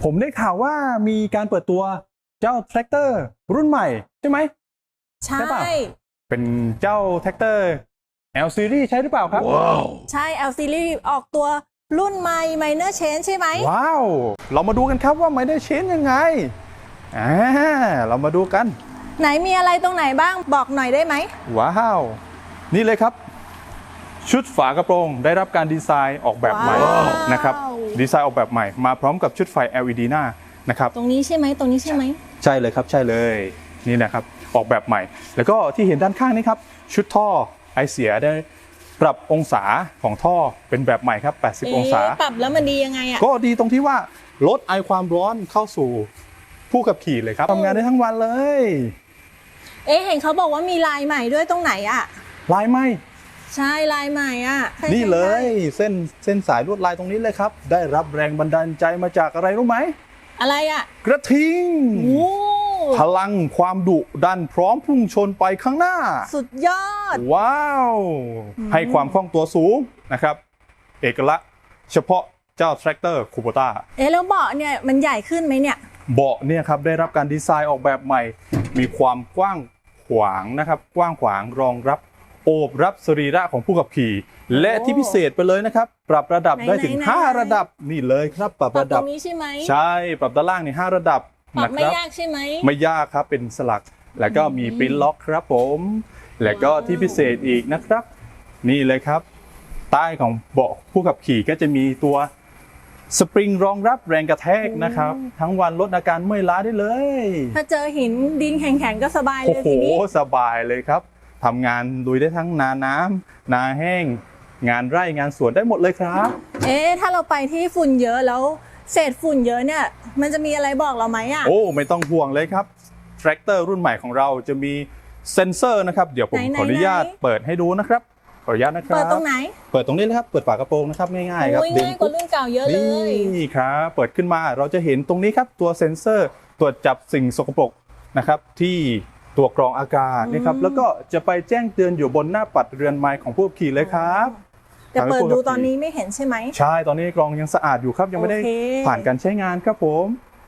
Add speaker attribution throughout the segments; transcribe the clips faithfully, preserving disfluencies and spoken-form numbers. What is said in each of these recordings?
Speaker 1: ผมได้ข่าวว่ามีการเปิดตัวเจ้าแทรกเตอร์รุ่นใหม่ใช่ไหม
Speaker 2: ใช่
Speaker 1: เป็นเจ้าแทรกเตอร์ แอล Series ใช่หรือเปล่าครับว้าว
Speaker 2: ใช่ แอล Series ออกตัวรุ่นใหม่ Minor Change ใช่ไหม
Speaker 1: ว้าวเรามาดูกันครับว่า Minor Change ยังไงอ่าเรามาดูกัน
Speaker 2: ไหนมีอะไรตรงไหนบ้างบอกหน่อยได้ไหม
Speaker 1: ว้าวนี่เลยครับชุดฝากระโปรงได้รับการดีไซน์ออกแบบใหม่นะครับดีไซน์ออกแบบใหม่มาพร้อมกับชุดไฟ แอล อี ดี หน้านะครับ
Speaker 2: ตรงนี้ใช่ไหมตรงนี้ใช่ไหม
Speaker 1: ใช่เลยครับใช่เลยนี่นะครับออกแบบใหม่แล้วก็ที่เห็นด้านข้างนี้ครับชุดท่อไอเสียได้ปรับองศาของท่อเป็นแบบใหม่ครับแปดสิบองศา
Speaker 2: ปรับแล้วมันดียังไงอ่ะ
Speaker 1: ก็ดีตรงที่ว่าลดไอความร้อนเข้าสู่ผู้ขับขี่เลยครับทำงานได้ทั้งวันเลย
Speaker 2: เอ๊ะเห็นเขาบอกว่ามีลายใหม่ด้วยตรงไหนอ่ะ
Speaker 1: ลายใหม่
Speaker 2: ใช่ลายใหม่อ่ะ
Speaker 1: นี่เลยเส้นเส้นสายลวดลายตรงนี้เลยครับได้รับแรงบันดาลใจมาจากอะไรรู้ไหม
Speaker 2: อะไรอ่ะ
Speaker 1: กระทิงพลังความดุดันพร้อมพุ่งชนไปข้างหน้า
Speaker 2: สุดยอด
Speaker 1: ว้าวให้ความคล่องตัวสูงนะครับเอกลักษณ์เฉพาะเจ้าแทรกเตอร์คูโบต้า
Speaker 2: เอ๊ะแล้วเบาะเนี่ยมันใหญ่ขึ้นไหมเนี่ย
Speaker 1: เบาะเนี่ยครับได้รับการดีไซน์ออกแบบใหม่มีความกว้างขวางนะครับกว้างขวางรองรับโอบรับสรีระของผู้ขับขี่และที่พิเศษไปเลยนะครับปรับระดับได้ถึงห้าระดับนี่เลยครับปรับระดับ
Speaker 2: ตรงนี้ใช่ไหม
Speaker 1: ใช่ปรับด้านล่างนี่ห้าระดับ
Speaker 2: ปรับไม่ยากใช่ไหม
Speaker 1: ไม่ยากครับเป็นสลักแล้วก็มีปริ้นล็อกครับผมแล้วก็ที่พิเศษอีกนะครับนี่เลยครับใต้ของเบาะผู้ขับขี่ก็จะมีตัวสปริงรองรับแรงกระแทกนะครับทั้งวันลดอาการเมื่อยล้าได้เลย
Speaker 2: ถ้าเจอหินดินแข็งๆก็สบายเลยทีนี้
Speaker 1: โอ้โหสบายเลยครับทำงานลุยได้ทั้งนาน้ำนาแห้งงานไร่งานสวนได้หมดเลยครับ
Speaker 2: เอ๊ะถ้าเราไปที่ฝุ่นเยอะแล้วเศษฝุ่นเยอะเนี่ยมันจะมีอะไรบอกเราไหมอ่ะ
Speaker 1: โอ้ไม่ต้องห่วงเลยครับแทรกเตอร์รุ่นใหม่ของเราจะมีเซ็นเซอร์นะครับเดี๋ยวผมขออนุญาตเปิดให้ดูนะครับขออนุญาตนะครับ
Speaker 2: เปิดตรงไหน
Speaker 1: เปิดตรงนี้เลยครับเปิดฝากระโปรงนะครับง่ายๆครับ
Speaker 2: ง่ายกว่ารุ่นเก่าเยอะเลย
Speaker 1: นี่ครับเปิดขึ้นมาเราจะเห็นตรงนี้ครับตัวเซ็นเซอร์ตรวจจับสิ่งสกปรกนะครับที่ตัวกรองอากาศนะครับแล้วก็จะไปแจ้งเตือนอยู่บนหน้าปัดเรือนไม้ของผู้ขับขี่เลยครับ
Speaker 2: แต่เปิดดูตอนนี้ไม่เห็นใช่ไหม
Speaker 1: ใช่ตอนนี้กรองยังสะอาดอยู่ครับยังไม่ได้ผ่านการใช้งานครับผม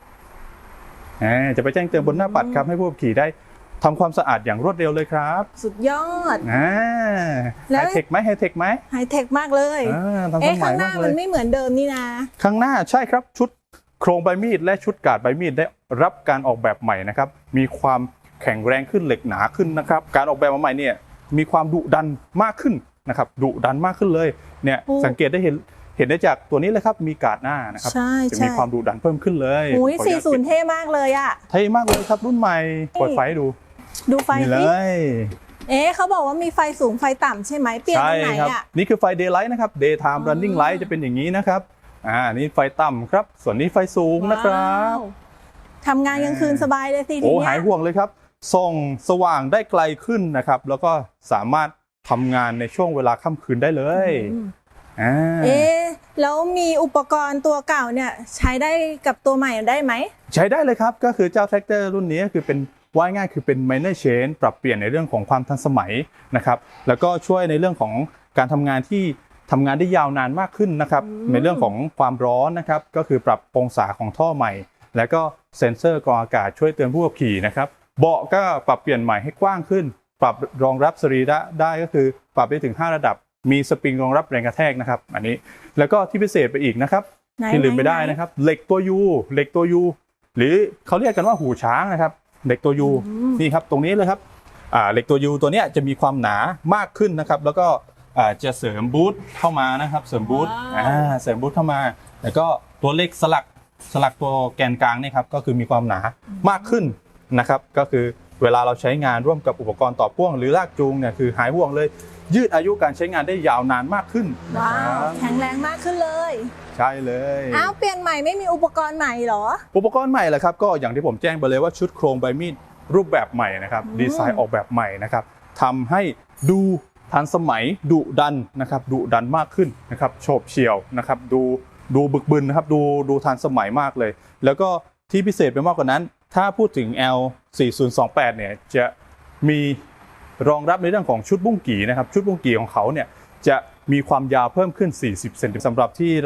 Speaker 1: จะไปแจ้งเตือนบนหน้าปัดครับให้ผู้ขับขี่ได้ทำความสะอาดอย่างรวดเร็วเลยครับ
Speaker 2: สุดยอด
Speaker 1: ไฮเทคไหมไฮเทคไหม
Speaker 2: ไฮเทคมากเลยเอ๊ะข้างหน้ามันไม่เหมือนเดิมนี่นะ
Speaker 1: ข้างหน้าใช่ครับชุดโครงใบมีดและชุดกาดใบมีดได้รับการออกแบบใหม่นะครับมีความแข็งแรงขึ้นเหล็กหนาขึ้นนะครับการออกแบบมาใหม่เนี่ยมีความดุดันมากขึ้นนะครับดุดันมากขึ้นเลยเนี่ยสังเกตได้เห็นเห็นได้จากตัวนี้เลยครับมีกาดหน้านะครับจะมีความดุดันเพิ่มขึ้นเลย
Speaker 2: โอ้ยสี่สิบเท่มากเลยอ่ะ
Speaker 1: เท่มากเลยครับรุ่นใหม่เปิดไฟให้ดู
Speaker 2: ดูไฟ
Speaker 1: เลย
Speaker 2: เอ๊ะเขาบอกว่ามีไฟสูงไฟต่ำใช่ไหมเปลี่ยนตรงไหนอ่ะ
Speaker 1: นี่คือไฟ Daylight นะครับ Daytime Running Light จะเป็นอย่างนี้นะครับอ่านี่ไฟต่ำครับส่วนนี้ไฟสูงนะครับ
Speaker 2: ทำงานกลางคืนสบายเลยสิทีนี้
Speaker 1: โอ้หายห่วงเลยครับส่องสว่างได้ไกลขึ้นนะครับแล้วก็สามารถทำงานในช่วงเวลาค่ำคืนได้เลย
Speaker 2: เอ๊ะแล้วมีอุปกรณ์ตัวเก่าเนี่ยใช้ได้กับตัวใหม่ได้ไหม
Speaker 1: ใช้ได้เลยครับก็คือเจ้าแทรกเตอร์รุ่นนี้คือเป็นว่าง่ายคือเป็น Minor Change ปรับเปลี่ยนในเรื่องของความทันสมัยนะครับแล้วก็ช่วยในเรื่องของการทำงานที่ทำงานได้ยาวนานมากขึ้นนะครับในเรื่องของความร้อนนะครับก็คือปรับองศาของท่อใหม่แล้วก็เซ็นเซอร์กรองอากาศช่วยเตือนผู้ขับขี่นะครับเบาะก็ปรับเปลี่ยนใหม่ให้กว้างขึ้นปรับรองรับสรีระได้ก็คือปรับได้ถึงห้าระดับมีสปริงรองรับแรงกระแทกนะครับอันนี้แล้วก็ที่พิเศษไปอีกนะครับที่ลืมไปได้นะครับเหล็กตัวยูเหล็กตัวยูหรือเขาเรียกกันว่าหูช้างนะครับเหล็กตัวยูนี่ครับตรงนี้เลยครับเหล็กตัวยูตัวนี้จะมีความหนามากขึ้นนะครับแล้วก็จะเสริมบูทเข้ามานะครับเสริมบูทเสริมบูทเข้ามาแล้วก็ตัวเลขสลักสลักตัวแกนกลางนี่ครับก็คือมีความหนามากขึ้นนะครับก็คือเวลาเราใช้งานร่วมกับอุปกรณ์ต่อพ่วงหรือลากจูงเนี่ยคือหายห่วงเลยยืดอายุการใช้งานได้ยาวนานมากขึ้น
Speaker 2: ว้าวแข็งแรงมากขึ้นเลย
Speaker 1: ใช่เลย
Speaker 2: อ้าวเปลี่ยนใหม่ไม่มีอุปกรณ์ใหม่หรอ
Speaker 1: อุปกรณ์ใหม่แหละครับก็อย่างที่ผมแจ้งไปเลยว่าชุดโครงใบมีดรูปแบบใหม่นะครับดีไซน์ออกแบบใหม่นะครับทำให้ดูทันสมัยดุดันนะครับดุดันมากขึ้นนะครับโฉบเฉี่ยวนะครับดูดูบึกบึนนะครับดูดูทันสมัยมากเลยแล้วก็ที่พิเศษไปมากกว่านั้นถ้าพูดถึง แอล สี่ศูนย์สองแปดเนี่ยจะมีรองรับในเรื่องของชุดบุ้งกี่นะครับชุดบุ้งกี่ของเขาเนี่ยจะมีความยาวเพิ่มขึ้นสี่สิบเซนติเมตรสำหรับที่เรา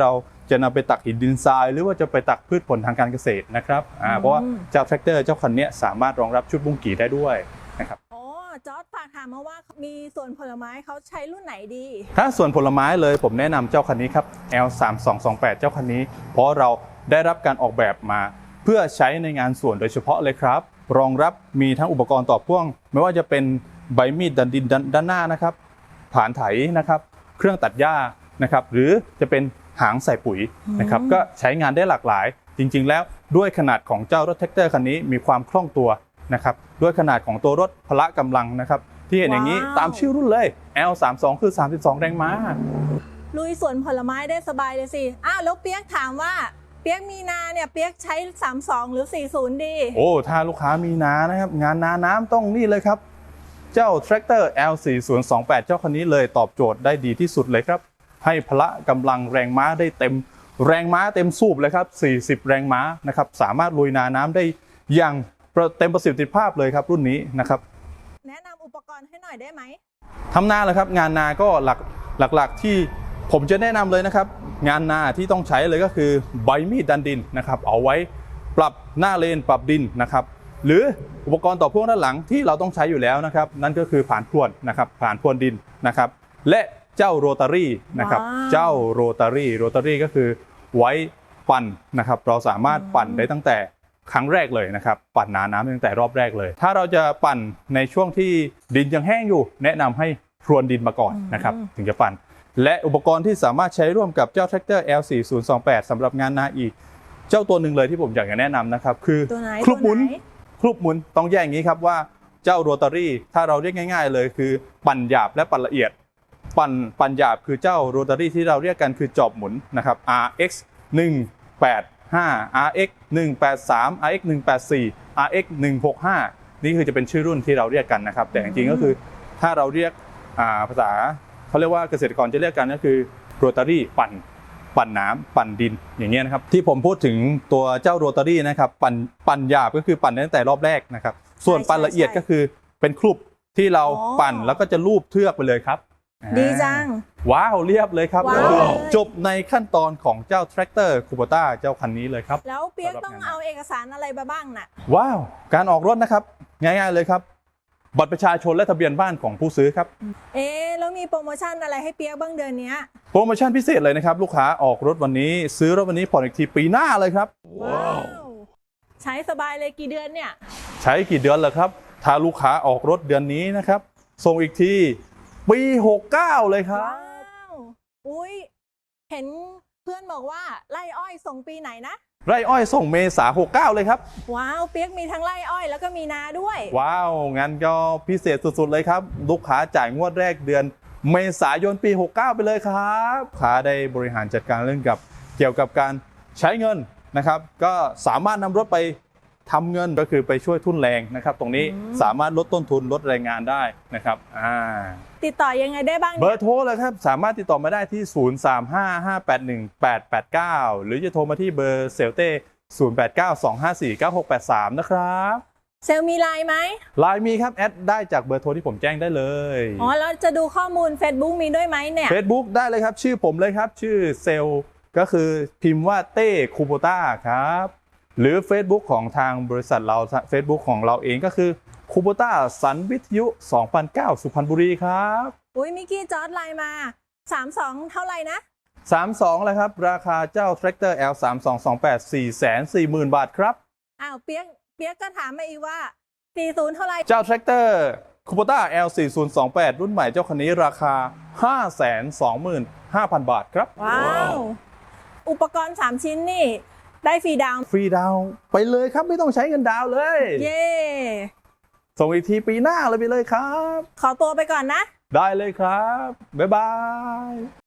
Speaker 1: จะนำไปตักหินดินทรายหรือว่าจะไปตักพืชผลทางการเกษตรนะครับอ่าเพราะว่าเจ้าแทรกเตอร์เจ้าคันนี้สามารถรองรับชุดบุ้งกี่ได้ด้วยนะครับ
Speaker 2: โอ้จอร์จฝากถามมาว่ามีส่วนผลไม้เขาใช้รุ่นไหนดี
Speaker 1: ถ้าส่วนผลไม้เลยผมแนะนำเจ้าคันนี้ครับ แอล สามสองสองแปด เจ้าคันนี้เพราะเราได้รับการออกแบบมา เพื่อใช้ในงานสวนโดยเฉพาะเลยครับรองรับมีทั้งอุปกรณ์ต่อพ่วงไม่ว่าจะเป็นใบมีดดันดินด้านหน้านะครับผานไถนะครับเครื่องตัดหญ้านะครับหรือจะเป็นหางใส่ปุ๋ยนะครับก็ใช้งานได้หลากหลายจริงๆแล้วด้วยขนาดของเจ้ารถแท็กเตอร์คันนี้มีความคล่องตัวนะครับด้วยขนาดของตัวรถพละกำลังนะครับที่เห็นอย่างนี้ตามชื่อรุ่นเลย แอล สามสอง คือสามสิบสองแรงม้า
Speaker 2: ลุยสวนผลไม้ได้สบายเลยสิอ้าวแล้วเปียกถามว่าเปียกมีนาเนี่ยเปียกใช้สามสิบสองหรือสี่สิบดี
Speaker 1: โอ้ถ้าลูกค้ามีนานะครับงานนาน้ำต้องนี่เลยครับเจ้า Tractor แอล สี่ศูนย์สองแปด เจ้าคันนี้เลยตอบโจทย์ได้ดีที่สุดเลยครับให้พละกำลังแรงม้าได้เต็มแรงม้าเต็มสูบเลยครับสี่สิบแรงม้านะครับสามารถลุยนาน้ำได้อย่างเต็มประสิทธิภาพเลยครับรุ่นนี้นะครับ
Speaker 2: แนะนำอุปกรณ์ให้หน่อยได้ไหม
Speaker 1: ทำนาเลยครับงานนาก็หลักหลักๆที่ผมจะแนะนำเลยนะครับงานนาที่ต้องใช้เลยก็คือใบมีดดันดินนะครับเอาไว้ปรับหน้าเลนปรับดินนะครับหรืออุปกรณ์ต่อพ่วงด้านหลังที่เราต้องใช้อยู่แล้วนะครับนั่นก็คือผ่านพรวนนะครับผ่านพรวนดินนะครับและเจ้าโรตารี่นะครับเจ้าโรตารี่โรตารี่ก็คือไว้ปั่นนะครับเราสามารถปั่นได้ตั้งแต่ครั้งแรกเลยนะครับปั่นนาน้ำตั้งแต่รอบแรกเลยถ้าเราจะปั่นในช่วงที่ดินยังแห้งอยู่แนะนำให้พรวนดินมาก่อนนะครับถึงจะปั่นและอุปกรณ์ที่สามารถใช้ร่วมกับเจ้า Tractor แอล สี่ศูนย์สองแปด สำหรับงานนาอีกเจ้าตัวหนึ่งเลยที่ผมอยากจะแนะนำนะครับคือคลุกหมุนคลุกหมุนต้องแยกอย่างนี้ครับว่าเจ้าโรตารี่ถ้าเราเรียกง่ายๆเลยคือปั่นหยาบและปั่นละเอียดปั่นปั่นหยาบคือเจ้าโรตารี่ที่เราเรียกกันคือจอบหมุนนะครับ อาร์ เอ็กซ์ หนึ่งแปดห้า อาร์ เอ็กซ์ หนึ่งแปดสาม อาร์ เอ็กซ์ หนึ่งแปดสี่ อาร์ เอ็กซ์ หนึ่งหกห้า นี่คือจะเป็นชื่อรุ่นที่เราเรียกกันนะครับแต่จริงๆก็คือถ้าเราเรียกภาษาเขาเรียกว่าเกษตรกรจะเรียกกันก็คือโรตารี่ปั่นปั่นน้ำปั่นดินอย่างเงี้ยนะครับที่ผมพูดถึงตัวเจ้าโรตารี่นะครับปั่นปั่นหยาบก็คือปั่นตั้งแต่รอบแรกนะครับส่วนปั่นละเอียดก็คือเป็นคลุปที่เราปั่นแล้วก็จะลูบเทือกไปเลยครับ
Speaker 2: ดีจัง
Speaker 1: ว้าวเรียบเลยครับจบในขั้นตอนของเจ้า Tractor Kubota เจ้าคันนี้เลยครับ
Speaker 2: แล้วเปียกต้องเอาเอกสารอะไรมาบ้างน่ะ
Speaker 1: ว้าวการออกรถนะครับง่ายๆเลยครับบัตรประชาชนและทะเบียนบ้านของผู้ซื้อครับ
Speaker 2: เอ๊แล้วมีโปรโมชั่นอะไรให้เปียกบ้างเดือนนี้
Speaker 1: โปรโมชั่นพิเศษเลยนะครับลูกค้าออกรถวันนี้ซื้อรถวันนี้ผ่อนอีกทีปีหน้าเลยครับ
Speaker 2: ว้าวใช้สบายเลยกี่เดือนเนี่ย
Speaker 1: ใช้กี่เดือนเลยครับถ้าลูกค้าออกรถเดือนนี้นะครับส่งอีกทีปีหกสิบเก้าเลยครับว้าว
Speaker 2: อุ้ยเห็นเพื่อนบอกว่าไร่อ้อยส่งปีไหนนะ
Speaker 1: ไร่อ้อยส่งเมษาหกสิบเก้าเลยครับ
Speaker 2: ว้าวเปียกมีทั้งไร่อ้อยแล้วก็มีนาด้วย
Speaker 1: ว้าวงั้นก็พิเศษสุดๆเลยครับลูกค้าจ่ายงวดแรกเดือนเมษายนปีหกสิบเก้าไปเลยครับลูกค้าได้บริหารจัดการเรื่องกับเกี่ยวกับการใช้เงินนะครับก็สามารถนำรถไปทำเงินก็คือไปช่วยทุนแรงนะครับตรงนี้สามารถลดต้นทุนลดแรงงานได้นะครับอ่า
Speaker 2: ติดต่อยังไงได้บ้าง
Speaker 1: เบอร์โทรเลยครับสามารถติดต่อมาได้ที่ศูนย์ สาม ห้า ห้า แปด หนึ่ง แปด แปด เก้าหรือจะโทรมาที่เบอร์เซลเต้ศูนย์ แปด เก้า สอง ห้า สี่ เก้า หก แปด สามนะครับ
Speaker 2: เซลมีไลน์ไหม
Speaker 1: ไลน์มีครับแอดได้จากเบอร์โทรที่ผมแจ้งได้เลย
Speaker 2: อ๋อแล้วจะดูข้อมูล Facebook มีด้วยไหมเนี่ย
Speaker 1: Facebook ได้เลยครับชื่อผมเลยครับชื่อเซลก็คือพิมพ์ว่าเต้คูโบต้าครับหรือ Facebook ของทางบริษัทเรา Facebook ของเราเองก็คือคูโบต้าสันวิทยุสองพันเก้าสุพรรณบุรีครับ
Speaker 2: อุ้ยมิกกี้จอร์จไลน์มาสามสิบสองเท่าไหร่นะ
Speaker 1: สามสิบสองเลยครับราคาเจ้า Tractor แอล สามสองสองแปด สี่แสนสี่หมื่น บาทครับ
Speaker 2: อ้าวเปียกเปียกก็ถามมาอีกว่าสี่สิบเท่าไหร่
Speaker 1: เจ้า Tractor Kubota แอล สี่ศูนย์สองแปด รุ่นใหม่เจ้าคันนี้ราคา ห้าแสนสองหมื่นห้าพัน บาทครับ
Speaker 2: ว้าวอุปกรณ์สามชิ้นนี่ได้ฟรีดาวน์
Speaker 1: ฟรีดาวน์ไปเลยครับไม่ต้องใช้เงินดาวน์เลย
Speaker 2: เย้
Speaker 1: ส่งอีกทีปีหน้าเลยไปเลยครับ
Speaker 2: ขอตัวไปก่อนนะ
Speaker 1: ได้เลยครับบ๊ายบาย